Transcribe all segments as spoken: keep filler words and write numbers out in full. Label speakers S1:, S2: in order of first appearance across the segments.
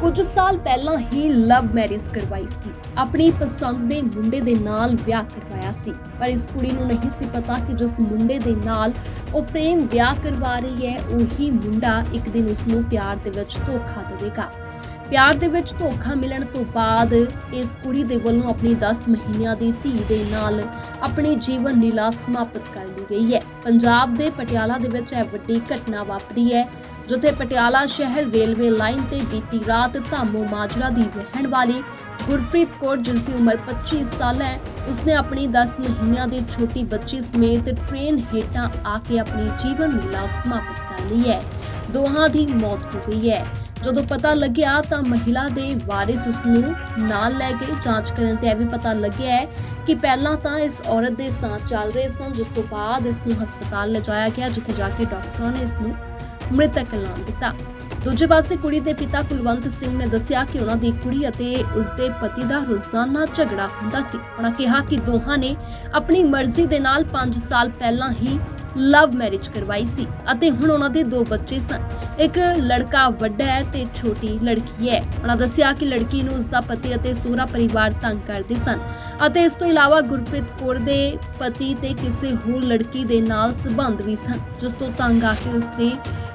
S1: ਕੁਝ ਸਾਲ ਪਹਿਲਾਂ ਹੀ ਲਵ ਮੈਰਿਜ ਕਰਵਾਈ ਸੀ। ਆਪਣੀ ਪਸੰਦ ਦੇ ਮੁੰਡੇ ਦੇ ਨਾਲ ਵਿਆਹ ਕਰਵਾਇਆ ਸੀ, ਪਰ ਇਸ ਕੁੜੀ ਨੂੰ ਨਹੀਂ ਸੀ ਪਤਾ ਕਿ ਜਿਸ ਮੁੰਡੇ ਦੇ ਨਾਲ ਉਹ ਪ੍ਰੇਮ ਵਿਆਹ ਕਰਵਾ ਰਹੀ ਹੈ, ਉਹੀ ਮੁੰਡਾ ਇੱਕ ਦਿਨ ਉਸ ਨੂੰ ਪਿਆਰ ਦੇ ਵਿੱਚ ਧੋਖਾ ਦੇਵੇਗਾ। ਪਿਆਰ ਦੇ ਵਿੱਚ ਧੋਖਾ ਮਿਲਣ ਤੋਂ ਬਾਅਦ ਇਸ ਕੁੜੀ ਦੇ ਵੱਲੋਂ ਆਪਣੀ ਦਸ ਮਹੀਨਿਆਂ ਦੀ ਧੀ ਦੇ ਨਾਲ ਆਪਣੀ ਜੀਵਨ ਲੀਲਾ ਸਮਾਪਤ ਕਰ ਲਈ ਗਈ ਹੈ। ਪੰਜਾਬ ਦੇ ਪਟਿਆਲਾ ਦੇ ਵਿੱਚ ਇਹ ਵੱਡੀ ਘਟਨਾ ਵਾਪਰੀ ਹੈ, ਜਿੱਥੇ ਪਟਿਆਲਾ ਸ਼ਹਿਰ ਰੇਲਵੇ ਲਾਈਨ ਤੇ ਬੀਤੀ ਰਾਤ ਧਾਮੋ ਮਾਜਰਾ ਦੀ ਰਹਿਣ ਵਾਲੀ ਗੁਰਪ੍ਰੀਤ ਕੌਰ, ਜਿਸ ਦੀ ਉਮਰ ਪੱਚੀ ਸਾਲ ਹੈ, ਉਸਨੇ ਆਪਣੀ ਦਸ ਮਹੀਨਿਆਂ ਦੀ ਛੋਟੀ ਬੱਚੀ ਸਮੇਤ ਟ੍ਰੇਨ ਹੇਠਾਂ ਆ ਕੇ ਆਪਣੀ ਜੀਵਨ ਲੀਲਾ ਸਮਾਪਤ ਕਰ ਲਈ ਹੈ। ਦੋਹਾਂ ਦੀ ਮੌਤ ਹੋ ਗਈ ਹੈ। ਜਦੋਂ ਪਤਾ ਲੱਗਿਆ ਤਾਂ ਮਹਿਲਾ ਦੇ ਵਾਰਿਸ ਉਸ ਨੂੰ ਨਾਲ ਲੈ ਕੇ ਜਾਂਚ ਕਰਨ ਤੇ ਇਹ ਵੀ ਪਤਾ ਲੱਗਿਆ ਹੈ ਕਿ ਪਹਿਲਾਂ ਤਾਂ ਇਸ ਔਰਤ ਦੇ ਸਾਹ ਚੱਲ ਰਹੇ ਸਨ, ਜਿਸ ਤੋਂ ਬਾਅਦ ਇਸ ਨੂੰ ਹਸਪਤਾਲ ਲਿਜਾਇਆ ਗਿਆ, ਜਿੱਥੇ ਜਾ ਕੇ ਡਾਕਟਰਾਂ ਨੇ ਇਸ ਨੂੰ ਮ੍ਰਿਤਕ ਐਲਾਨ ਦਿੱਤਾ। ਦੂਜੇ ਪਾਸੇ ਕੁੜੀ ਦੇ ਪਿਤਾ ਕੁਲਵੰਤ ਸਿੰਘ ਨੇ ਦੱਸਿਆ ਕਿ ਉਹਨਾਂ ਦੀ ਕੁੜੀ ਅਤੇ ਉਸਦੇ ਪਤੀ ਦਾ ਰੋਜ਼ਾਨਾ ਝਗੜਾ ਹੁੰਦਾ ਸੀ। ਉਹਨਾਂ ਕਿਹਾ ਕਿ ਦੋਹਾਂ ਨੇ ਆਪਣੀ ਮਰਜ਼ੀ ਦੇ ਨਾਲ ਪੰਜ ਸਾਲ ਪਹਿਲਾਂ ਹੀ ਲਵ ਮੈਰਿਜ ਕਰਵਾਈ ਸੀ ਅਤੇ ਹੁਣ ਉਹਨਾਂ ਦੇ ਦੋ ਬੱਚੇ ਸਨ। ਇੱਕ ਲੜਕਾ ਵੱਡਾ ਹੈ ਤੇ ਛੋਟੀ ਲੜਕੀ ਹੈ। ਉਹਨਾਂ ਦੱਸਿਆ ਕਿ ਲੜਕੀ ਨੂੰ ਉਸਦਾ ਪਤੀ ਅਤੇ ਸਹੁਰਾ ਪਰਿਵਾਰ ਤੰਗ ਕਰਦੇ ਸਨ ਅਤੇ ਇਸ ਤੋਂ ਇਲਾਵਾ ਗੁਰਪ੍ਰੀਤ ਕੌਰ ਦੇ ਪਤੀ ਤੇ ਕਿਸੇ ਹੋਰ ਲੜਕੀ ਦੇ ਨਾਲ ਸੰਬੰਧ ਵੀ ਸਨ, ਜਿਸ ਤੋਂ ਤੰਗ ਆ ਕੇ ਉਸਦੀ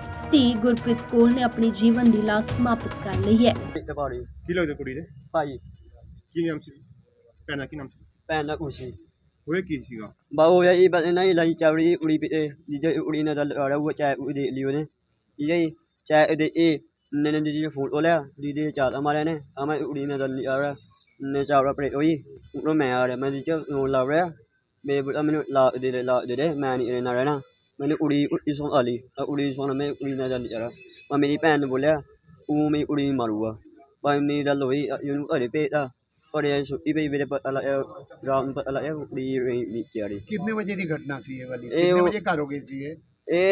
S1: ਧੀ ਗੁਰਪ੍ਰੀਤ ਕੌਰ ਨੇ ਆਪਣੀ ਜੀਵਨ ਲੀਲਾ ਸਮਾਪਤ ਕਰ ਲਈ ਹੈ।
S2: ਕੀ ਲੱਗਦਾ ਕੁੜੀ ਦੇ
S3: ਭਾਜੀ
S2: ਕੀ ਨਾਮ ਸੀ? ਭੈਣ ਦਾ ਕੀ ਨਾਮ ਸੀ?
S3: ਭੈਣ ਦਾ ਕੁਛ ਸੀ
S2: ਹੋਇਆ ਕੀ ਸੀਗਾ?
S3: ਬਾ ਹੋਇਆ ਜੀ ਬਸ ਇਹਨਾਂ ਹੀ ਲਾਈ ਚਾਵੜੀ ਉੜੀ ਪੀ ਜਿੱਜੇ ਉੜੀ ਨਾਲ ਲੜਾ ਉਹ ਚਾਹ ਉੜੀ ਲਈ ਉਹਨੇ ਠੀਕ ਹੈ ਜੀ। ਚਾਹ ਇਹਦੇ ਇਹ ਨੇ ਨੇ ਜੀ ਫੋਟੋ ਲਿਆ ਦੀਦੀ ਚਾਹ ਮਾਰਿਆ ਨੇ ਆ ਮੈਂ ਉੜੀ ਨਾਲ ਲਈ ਆ ਰਿਹਾ ਨੇ ਚਾਵੜਾ ਪੜੇ ਹੋਈ ਉਹ ਮੈਂ ਆ ਰਿਹਾ ਮੈਂ ਜੀ ਉਹ ਲਾ ਰਿਹਾ ਮੇਰੇ ਬੁੜਾ ਮੈਨੂੰ ਲਾ ਦੇ ਲਾ ਦੇ ਦੇ ਮੈਂ ਨਹੀਂ ਰਹਿਣਾ ਰਹਿਣਾ मैंने उड़ी उड़ी सोन आली उड़ी सोन में उड़ी ना जानी जा रहा मैं मेरी भैन ने बोलिया वो मैं उड़ी मारूंगा भाई मेरी गल हुई यूं घरे भेजता और छुट्टी पई मेरे पता रात में पता लगा उड़ी नीचे आ रही।
S4: कितने बजे की घटना सी ये वाली? कितने बजे घर हो गई सी ये?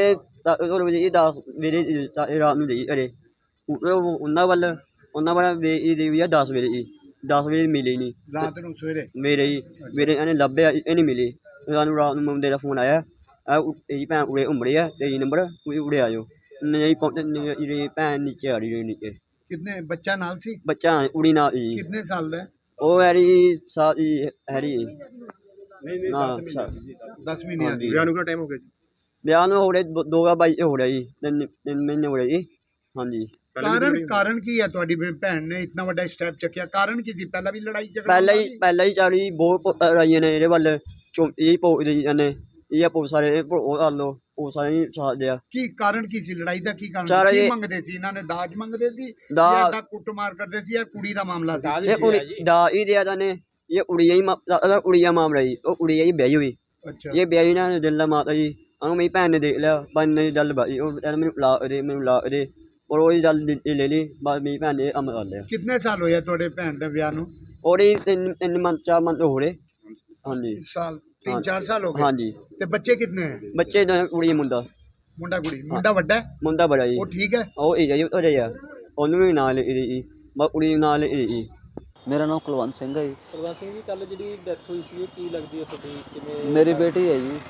S3: ਇਹ ਉਹ ਵਜੇ ਇਹ ਦਸ ਮੇਰੇ ਰਾਤ ਨੂੰ ਗਈ ਅਰੇ ਉਹਨਾਂ ਵੱਲ ਉਹਨਾਂ ਵੱਲ ਵੇ ਇਹ ਦੇ ਵੀ ਆ ਦਸ ਵਜੇ ਹੀ ਦਸ ਵਜੇ ਮਿਲੀ ਨਹੀਂ
S4: ਰਾਤ ਨੂੰ ਸਵੇਰੇ
S3: ਮੇਰੇ ਹੀ ਮੇਰੇ ਇਹਨੇ ਲੱਭਿਆ ਇਹ ਨਹੀਂ ਮਿਲੀ। ਸਾਨੂੰ ਰਾਤ ਨੂੰ ਮੁੰਡੇ ਦਾ ਫੋਨ ਆਇਆ ਇਹਦੀ ਭੈਣ ਉਰੇ ਉਮੜੇ ਆ ਤੇਈ ਨੰਬਰ ਕੋਈ ਉੜੇ ਆਜੋ ਨਹੀਂ ਪਹੁੰਚੇ ਇਹਦੀ ਭੈਣ ਨੀਚੇ ਆ ਰਹੀ ਨੀਚੇ।
S4: कितने बच्चा नाल सी?
S3: ਬੱਚਾ ਉੜੀ ਨਾਲ ਹੀ
S4: कितने साल दा?
S3: ਉਹ ਹੈਰੀ ਸਾਰੀ ਹੈਰੀ
S2: ਨਹੀਂ
S3: ਨਾ
S4: दस महीने दी।
S2: ਵਿਆਹ ਨੂੰ ਕਿੰਨਾ ਟਾਈਮ ਹੋ ਗਿਆ ਜੀ?
S3: ਵਿਆਹ ਨੂੰ ਹੋ ਰਿਹਾ ਦੋ ਹਜ਼ਾਰ ਬਾਈ ਹੋ ਰਿਹਾ ਜੀ ਤਿੰਨ ਤਿੰਨ ਮਹੀਨੇ ਹੋ ਰਹੇ ਜੀ। ਹਾਂਜੀ
S4: कारण कारण की है ਤੁਹਾਡੀ ਭੈਣ ਨੇ ਇਤਨਾ ਵੱਡਾ ਸਟੈਪ ਚੱਕਿਆ? ਕਾਰਨ ਕੀ ਸੀ? ਪਹਿਲਾਂ ਵੀ ਲੜਾਈ ਝਗੜਾ
S3: ਪਹਿਲਾਂ ਹੀ ਪਹਿਲਾਂ ਹੀ ਚਾੜੀ ਬਹੁਤ ਰਾਈਆਂ ਨੇ ਇਹਦੇ ਵੱਲ ਚੋ ਇਹ ਪੋ ਨੇ ਇਹ ਪੋ ਸਾਰੇ ਉਹ ਕਰ ਲੋ ਉਹ ਸਾਰੇ ਹੀ ਸਾਥ ਦਿਆ।
S4: ਕੀ ਕਾਰਨ ਕੀ ਸੀ ਲੜਾਈ ਦਾ? ਕੀ ਕਾਰਨ
S3: ਚਾਰ
S4: ਕੀ
S3: ਇਹ-
S4: ਮੰਗਦੇ ਸੀ? ਇਹਨਾਂ ਨੇ ਦਾਜ ਮੰਗਦੇ ਸੀ
S3: ਦਾਜ-
S4: ਜਾਂ ਦਾ ਕੁੱਟਮਾਰ ਕਰਦੇ ਸੀ ਜਾਂ ਕੁੜੀ ਦਾ ਮਾਮਲਾ ਸੀ?
S3: ਇਹ ਕੁੜੀ ਦਾ ਹੀ ਦਿਆ ਜਾਨੇ ਇਹ ਉੜੀਆ ਹੀ ਉੜੀਆ ਮਾਮਲਾ ਜੀ। ਉਹ ਉੜੀਆ ਜੀ ਵਿਆਹੀ ਹੋਈ
S4: ਅੱਛਾ
S3: ਇਹ ਵਿਆਹੀ ਨਾ ਦਿਲ ਮਾਤਾ ਜੀ ਆ ਮੇਰੀ ਭੈਣ ਨੇ ਦੇਖ ਲਿਆ ਬੰਨ ਨੇ ਜਲ ਬਾਈ ਉਹ ਮੈਨੂੰ ਲਾ ਦੇ ਮੈਨੂੰ ਲਾ ਦੇ ਔਰ ਉਹ ਜਲ ਲੈ ਲਈ ਬਸ ਮੇਰੀ ਭੈਣ ਨੇ ਅਮਰ ਕਰ ਲਿਆ।
S4: ਕਿੰਨੇ ਸਾਲ ਹੋਇਆ ਤੁਹਾਡੇ ਭੈਣ ਦੇ ਵਿਆਹ ਨੂੰ?
S3: ਉਹਦੀ ਤਿੰਨ ਤਿੰਨ ਮੰਥ ਚਾਰ ਮੰਥ ਹੋ ਰਹੇ। ਹਾਂਜੀ
S4: ਸਾਲ तीन चार साल हो गए।
S3: ਹਾਂਜੀ
S4: ਤੇ ਬੱਚੇ ਕਿੰਨੇ ਹੈ?
S3: ਬੱਚੇ ਦਾ ਕੁੜੀ ਮੁੰਡਾ
S4: ਮੁੰਡਾ ਕੁੜੀ? ਮੁੰਡਾ ਵੱਡਾ ਹੈ?
S3: ਮੁੰਡਾ ਬੜਾ ਜੀ
S4: ਉਹ ਠੀਕ ਹੈ?
S3: ਉਹ ਇਹ ਜੀ ਉਹ ਰਿਹਾ ਉਹਨੂੰ ਵੀ ਨਾਲ ਇਹ ਜੀ ਬਸ ਕੁੜੀ ਨਾਲ ਇਹ ਜੀ।
S5: ਮੇਰਾ ਨਾਮ ਕੁਲਵੰਤ ਸਿੰਘ ਹੈ ਜੀ।
S6: ਕੁਲਵੰਤ ਸਿੰਘ ਜੀ, ਕੱਲ ਜਿਹੜੀ ਡੈਥ ਹੋਈ ਸੀ ਇਹ ਕੀ ਲੱਗਦੀ ਹੈ ਤੁਹਾਡੀ? ਕਿਵੇਂ?
S5: ਮੇਰੀ ਬੇਟੀ ਹੈ ਜੀ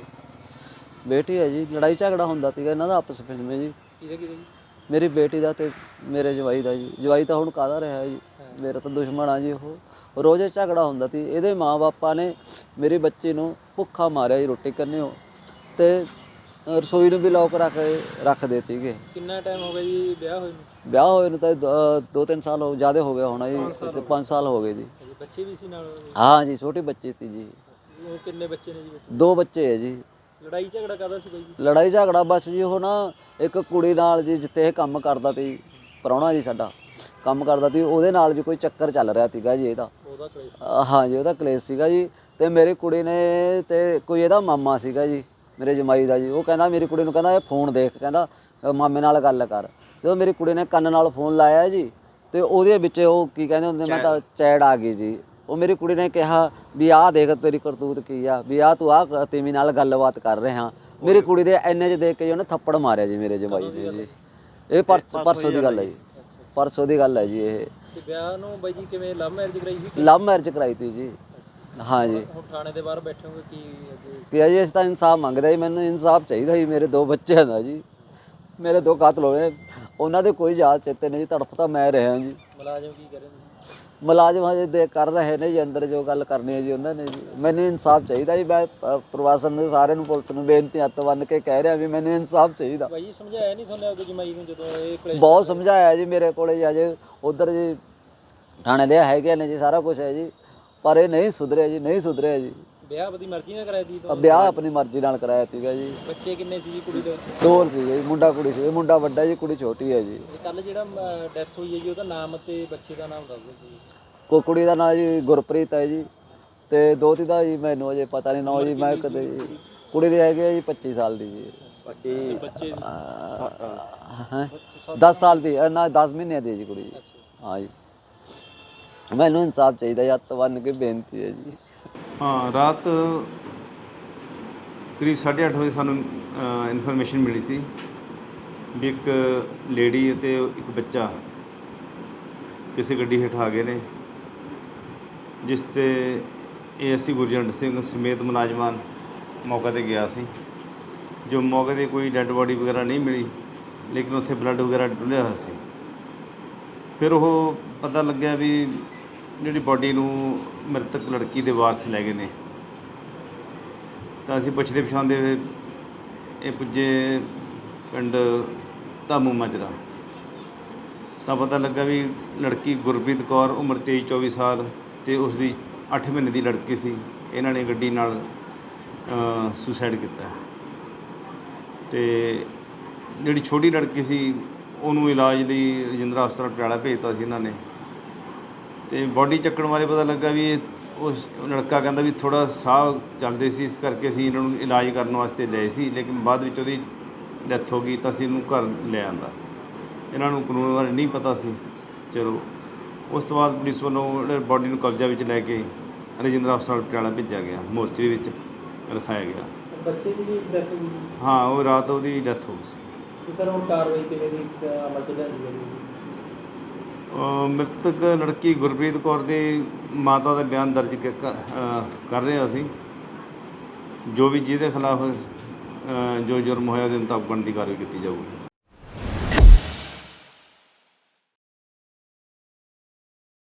S5: ਬੇਟੀ ਹੈ ਜੀ। ਲੜਾਈ ਝਗੜਾ ਹੁੰਦਾ ਸੀਗਾ ਇਹਨਾਂ ਦਾ ਆਪਸ ਵਿੱਚ ਵਿੱਚ ਜੀ।
S6: ਕਿਹਦੇ ਕਿਹਦੇ ਜੀ?
S5: ਮੇਰੀ ਬੇਟੀ ਦਾ ਤੇ ਮੇਰੇ ਜਵਾਈ ਦਾ ਜੀ। ਜਵਾਈ ਤਾਂ ਹੁਣ ਕਾਹਦਾ ਰਿਹਾ ਜੀ, ਮੇਰਾ ਤਾਂ ਦੁਸ਼ਮਣ ਆ ਜੀ। ਉਹ ਰੋਜ਼ ਝਗੜਾ ਹੁੰਦਾ ਸੀ। ਇਹਦੇ ਮਾਂ-ਬਾਪਾਂ ਨੇ ਮੇਰੀ ਬੱਚੀ ਨੂੰ ਭੁੱਖਾ ਮਾਰਿਆ ਜੀ ਰੋਟੀ ਕਰਨੇ ਹੋ ਤੇ ਰਸੋਈ ਨੂੰ ਵੀ ਲੋਕ ਰੱਖ ਰੱਖ ਦੇ ਸੀਗੇ।
S6: ਕਿੰਨਾ ਟਾਈਮ ਹੋ ਗਿਆ ਜੀ ਵਿਆਹ ਹੋਏ ਨੂੰ?
S5: ਵਿਆਹ ਹੋਏ ਨੂੰ ਤਾਂ ਦ- ਦੋ ਤਿੰਨ ਸਾਲ ਹੋ ਜ਼ਿਆਦਾ ਹੋ ਗਿਆ ਹੋਣਾ ਜੀ ਤੇ ਪੰਜ ਸਾਲ ਹੋ ਗਏ ਜੀ।
S6: ਅਜੇ ਬੱਚੇ ਵੀ ਸੀ ਨਾਲ ਉਹਦੇ?
S5: ਹਾਂ ਜੀ ਛੋਟੀ ਬੱਚੀ ਸੀ ਜੀ।
S6: ਉਹ ਕਿੰਨੇ ਬੱਚੇ ਨੇ ਜੀ ਬੱਚੇ?
S5: ਦੋ ਬੱਚੇ ਹੈ ਜੀ।
S6: ਲੜਾਈ ਝਗੜਾ ਕਾਹਦਾ ਸੀ ਬਾਈ ਜੀ?
S5: ਲੜਾਈ ਝਗੜਾ ਬਸ ਜੀ ਉਹ ਨਾ ਇੱਕ ਕੁੜੀ ਨਾਲ ਜੀ ਜਿੱਥੇ ਇਹ ਕੰਮ ਕਰਦਾ ਸੀ ਪ੍ਰਾਹੁਣਾ ਜੀ ਸਾਡਾ ਕੰਮ ਕਰਦਾ ਸੀ ਉਹਦੇ ਨਾਲ ਜੀ ਕੋਈ ਚੱਕਰ ਚੱਲ ਰਿਹਾ ਸੀਗਾ ਜੀ ਇਹਦਾ।
S6: ਉਹਦਾ ਕਲੇਸ਼?
S5: ਹਾਂ ਜੀ ਉਹਦਾ ਕਲੇਸ਼ ਸੀਗਾ ਜੀ। ਤੇ ਮੇਰੀ ਕੁੜੀ ਨੇ ਤੇ ਕੋਈ ਇਹਦਾ ਮਾਮਾ ਸੀਗਾ ਜੀ ਮੇਰੇ ਜਮਾਈ ਦਾ ਜੀ। ਉਹ ਕਹਿੰਦਾ ਮੇਰੀ ਕੁੜੀ ਨੂੰ ਕਹਿੰਦਾ ਇਹ ਫੋਨ ਦੇਖ ਕਹਿੰਦਾ ਮਾਮੇ ਨਾਲ ਗੱਲ ਕਰ। ਜਦੋਂ ਮੇਰੀ ਕੁੜੀ ਨੇ ਕੰਨ ਨਾਲ ਫੋਨ ਲਾਇਆ ਜੀ ਤੇ ਉਹਦੇ ਵਿੱਚ ਉਹ ਕੀ ਕਹਿੰਦੇ ਹੁੰਦੇ ਮੈਂ ਤਾਂ ਚੈੜ ਆ ਗਈ ਜੀ। ਉਹ ਮੇਰੀ ਕੁੜੀ ਨੇ ਕਿਹਾ ਵੀ ਆਹ ਦੇਖ ਤੇਰੀ ਕਰਤੂਤ ਕੀ ਆ ਵੀ ਆਹ ਤੂੰ ਆਹ ਤੇਮੀ ਨਾਲ ਗੱਲਬਾਤ ਕਰ ਰਿਹਾ। ਮੇਰੀ ਕੁੜੀ ਦੇ ਇੰਨੇ 'ਚ ਦੇਖ ਕੇ ਜੀ ਉਹਨੇ ਥੱਪੜ ਮਾਰਿਆ ਜੀ ਮੇਰੇ ਜਮਾਈ ਨੇ ਜੀ। ਇਹ ਪਰਸ ਪਰਸੋਂ ਦੀ ਗੱਲ ਹੈ ਜੀ। ਪਰਸੋਂ ਦੀ ਗੱਲ ਹੈ ਜੀ। ਇਹ
S6: ਤੇ ਵਿਆਹ ਨੂੰ ਬਾਈ ਜੀ ਕਿਵੇਂ ਲਵ ਮੈਰਿਜ ਕਰਾਈ ਸੀ?
S5: ਲਵ ਮੈਰਿਜ ਕਰਾਈ ਤੀ ਜੀ। ਹਾਂ ਜੀ।
S6: ਹੁਣ ਥਾਣੇ ਦੇ ਬਾਹਰ ਬੈਠੇ ਹੋਗੇ ਕੀ ਅੱਗੇ?
S5: ਕਿ ਜੀ ਅਸੀਂ ਤਾਂ ਇਨਸਾਫ ਮੰਗਦੇ ਜੀ। ਮੈਨੂੰ ਇਨਸਾਫ ਚਾਹੀਦਾ ਜੀ ਮੇਰੇ ਦੋ ਬੱਚਿਆਂ ਦਾ ਜੀ। ਮੇਰੇ ਦੋ ਕਾਤਲ ਹੋਏ ਉਹਨਾਂ ਦੇ ਕੋਈ ਯਾਦ ਚੇਤੇ ਨਹੀਂ ਜੀ, ਤੜਫ ਤਾਂ ਮੈਂ ਰਿਹਾ ਜੀ।
S6: ਮੁਲਾਜ਼ਮ ਕੀ ਕਰੇ
S5: ਮੁਲਾਜ਼ਮ ਹਜੇ ਦੇ ਕਰ ਰਹੇ ਨੇ ਜੀ, ਅੰਦਰ ਜੋ ਗੱਲ ਕਰਨੀ ਹੈ ਜੀ ਉਹਨਾਂ ਨੇ ਜੀ। ਮੈਨੂੰ ਇਨਸਾਫ ਚਾਹੀਦਾ ਜੀ। ਮੈਂ ਅ, ਪ੍ਰਵਾਸਨ ਦੇ ਸਾਰਿਆਂ ਨੂੰ, ਪੁਲਿਸ ਨੂੰ ਬੇਨਤੀ ਹੱਥ ਬੰਨ੍ਹ ਕੇ ਕਹਿ ਰਿਹਾ ਵੀ ਮੈਨੂੰ ਇਨਸਾਫ ਚਾਹੀਦਾ।
S6: ਭਾਈ ਸਮਝਾਇਆ ਨਹੀਂ ਤੁਹਾਨੂੰ ਆਪਣੀ ਜਮਾਈ ਨੂੰ ਜਦੋਂ ਇਹ ਕਲੇਸ਼
S5: ਬਹੁਤ ਸਮਝਾਇਆ ਜੀ, ਮੇਰੇ ਕੋਲੇ ਜੀ ਅਜੇ ਉਧਰ ਜੀ ਥਾਣੇ ਦੇ ਹੈਗੇ ਨੇ ਜੀ, ਸਾਰਾ ਕੁਝ ਹੈ ਜੀ, ਪਰ ਇਹ ਨਹੀਂ ਸੁਧਰਿਆ ਜੀ, ਨਹੀਂ ਸੁਧਰਿਆ ਜੀ।
S6: ਵਿਆਹ ਆਪਣੀ ਮਰਜ਼ੀ ਨਾਲ ਕਰਾਇਆ ਦੀ
S5: ਅ, ਵਿਆਹ ਆਪਣੀ ਮਰਜ਼ੀ ਨਾਲ ਕਰਾਇਆ ਸੀਗਾ ਜੀ।
S6: ਬੱਚੇ ਕਿੰਨੇ ਸੀ ਜੀ ਕੁੜੀ ਦੇ?
S5: ਦੋ ਸੀ ਜੀ, ਮੁੰਡਾ ਕੁੜੀ ਸੀ। ਮੁੰਡਾ ਵੱਡਾ ਜੀ, ਕੁੜੀ ਛੋਟੀ ਹੈ ਜੀ।
S6: ਕੱਲ ਜਿਹੜਾ ਡੈਥ ਹੋਈ ਹੈ ਜੀ ਉਹਦਾ ਨਾਮ ਤੇ ਬੱਚੇ ਦਾ ਨਾਮ ਦੱਸ ਦਿਓ ਜੀ।
S5: ਕੋ ਕੁੜੀ ਦਾ ਨਾਂ ਜੀ ਗੁਰਪ੍ਰੀਤ ਹੈ ਜੀ, ਤੇ ਦੋਤੀ ਦਾ ਜੀ ਮੈਨੂੰ ਅਜੇ ਪਤਾ ਨਹੀਂ ਨਾਂ ਜੀ। ਮੈਂ ਕਦੇ ਜੀ ਕੁੜੀ ਦੇ ਹੈਗੇ ਆ ਜੀ ਪੱਚੀ ਸਾਲ ਦੀ ਜੀ।
S6: ਬੱਚੇ
S5: ਦਸ ਸਾਲ ਦੀ ਅ, ਨਾ ਦਸ ਮਹੀਨਿਆਂ ਦੀ ਹੈ ਜੀ ਕੁੜੀ ਜੀ। ਹਾਂ ਜੀ, ਮੈਨੂੰ ਇਨਸਾਫ ਚਾਹੀਦਾ ਜੀ, ਹੱਥ ਬੰਨ੍ਹ ਕੇ ਬੇਨਤੀ ਹੈ ਜੀ।
S7: ਹਾਂ, ਰਾਤ ਕਰੀਬ ਸਾਢੇ ਅੱਠ ਵਜੇ ਸਾਨੂੰ ਇਨਫੋਰਮੇਸ਼ਨ ਮਿਲੀ ਸੀ ਵੀ ਇੱਕ ਲੇਡੀ ਅਤੇ ਇੱਕ ਬੱਚਾ ਕਿਸੇ ਗੱਡੀ ਹੇਠ ਆ ਗਏ ਨੇ, ਜਿਸ 'ਤੇ A S C Gurjant Singh ਸਮੇਤ ਮੁਲਾਜ਼ਮਾਨ ਮੌਕੇ 'ਤੇ ਗਿਆ ਸੀ। ਜੋ ਮੌਕੇ 'ਤੇ ਕੋਈ ਡੈੱਡ ਬੋਡੀ ਵਗੈਰਾ ਨਹੀਂ ਮਿਲੀ, ਲੇਕਿਨ ਉੱਥੇ ਬਲੱਡ ਵਗੈਰਾ ਡੁੱਲਿਆ ਹੋਇਆ ਸੀ। ਫਿਰ ਉਹ ਪਤਾ ਲੱਗਿਆ ਵੀ ਜਿਹੜੀ ਬੋਡੀ ਨੂੰ ਮ੍ਰਿਤਕ ਲੜਕੀ ਦੇ ਵਾਰਸ ਲੈ ਗਏ ਨੇ। ਤਾਂ ਅਸੀਂ ਪੁੱਛਦੇ ਪਛਾਣਦੇ ਹੋਏ ਇਹ ਪੁੱਜੇ ਪਿੰਡ ਧਾਮੂ ਮਾਜਰਾ, ਤਾਂ ਪਤਾ ਲੱਗਾ ਵੀ ਲੜਕੀ ਗੁਰਪ੍ਰੀਤ ਕੌਰ ਉਮਰ ਤੇਈ ਚੌਵੀ ਸਾਲ ਅਤੇ ਉਸ ਦੀ ਅੱਠ ਮਹੀਨੇ ਦੀ ਲੜਕੀ ਸੀ। ਇਹਨਾਂ ਨੇ ਗੱਡੀ ਨਾਲ ਸੁਸਾਈਡ ਕੀਤਾ। ਅਤੇ ਜਿਹੜੀ ਛੋਟੀ ਲੜਕੀ ਸੀ ਉਹਨੂੰ ਇਲਾਜ ਲਈ ਰਜਿੰਦਰਾ ਹਸਪਤਾਲ ਪਟਿਆਲਾ ਭੇਜਤਾ ਸੀ ਇਹਨਾਂ ਨੇ। ਅਤੇ ਬੋਡੀ ਚੱਕਣ ਬਾਰੇ ਪਤਾ ਲੱਗਾ ਵੀ ਇਹ ਉਸ ਲੜਕਾ ਕਹਿੰਦਾ ਵੀ ਥੋੜ੍ਹਾ ਸਾਹ ਚੱਲਦੇ ਸੀ, ਇਸ ਕਰਕੇ ਅਸੀਂ ਇਹਨਾਂ ਨੂੰ ਇਲਾਜ ਕਰਨ ਵਾਸਤੇ ਲਏ ਸੀ, ਲੇਕਿਨ ਬਾਅਦ ਵਿੱਚ ਉਹਦੀ ਡੈਥ ਹੋ ਗਈ ਤਾਂ ਅਸੀਂ ਇਹਨੂੰ ਘਰ ਲੈ ਆਂਦਾ। ਇਹਨਾਂ ਨੂੰ ਕਾਨੂੰਨ ਬਾਰੇ ਨਹੀਂ ਪਤਾ ਸੀ। ਚਲੋ ਉਸ ਤੋਂ ਬਾਅਦ ਪੁਲਿਸ ਵੱਲੋਂ ਬੋਡੀ ਨੂੰ ਕਬਜ਼ਾ ਵਿੱਚ ਲੈ ਕੇ ਰਜਿੰਦਰਾ ਹਸਪਤਾਲ ਪਟਿਆਲਾ ਭੇਜਿਆ ਗਿਆ, ਮੋਰਚਰੀ ਵਿੱਚ ਰਖਾਇਆ ਗਿਆ।
S6: ਬੱਚੇ ਦੀ ਵੀ ਡੈਥ ਹੋ ਗਈ?
S7: ਹਾਂ, ਉਹ ਰਾਤ ਉਹਦੀ ਡੈਥ ਹੋ ਗਈ ਸੀ।
S6: ਤੇ ਸਰ ਹੁਣ ਕਾਰਵਾਈ ਕਿਵੇਂ ਦੀ ਅਮਲ 'ਚ ਲਿਆਂਦੀ ਜਾਵੇਗੀ?
S7: ਮ੍ਰਿਤਕ ਲੜਕੀ ਗੁਰਪ੍ਰੀਤ ਕੌਰ ਦੀ ਮਾਤਾ ਦਾ ਬਿਆਨ ਦਰਜ ਕ- ਕ- ਅ, ਕਰ ਰਹੇ ਅਸੀਂ। ਜੋ ਵੀ ਜਿਹਦੇ ਖਿਲਾਫ ਜੋ ਜੁਰਮ ਹੋਇਆ ਉਹਦੇ ਮੁਤਾਬਕ ਬਣਦੀ ਕਾਰਵਾਈ ਕੀਤੀ ਜਾਊਗੀ।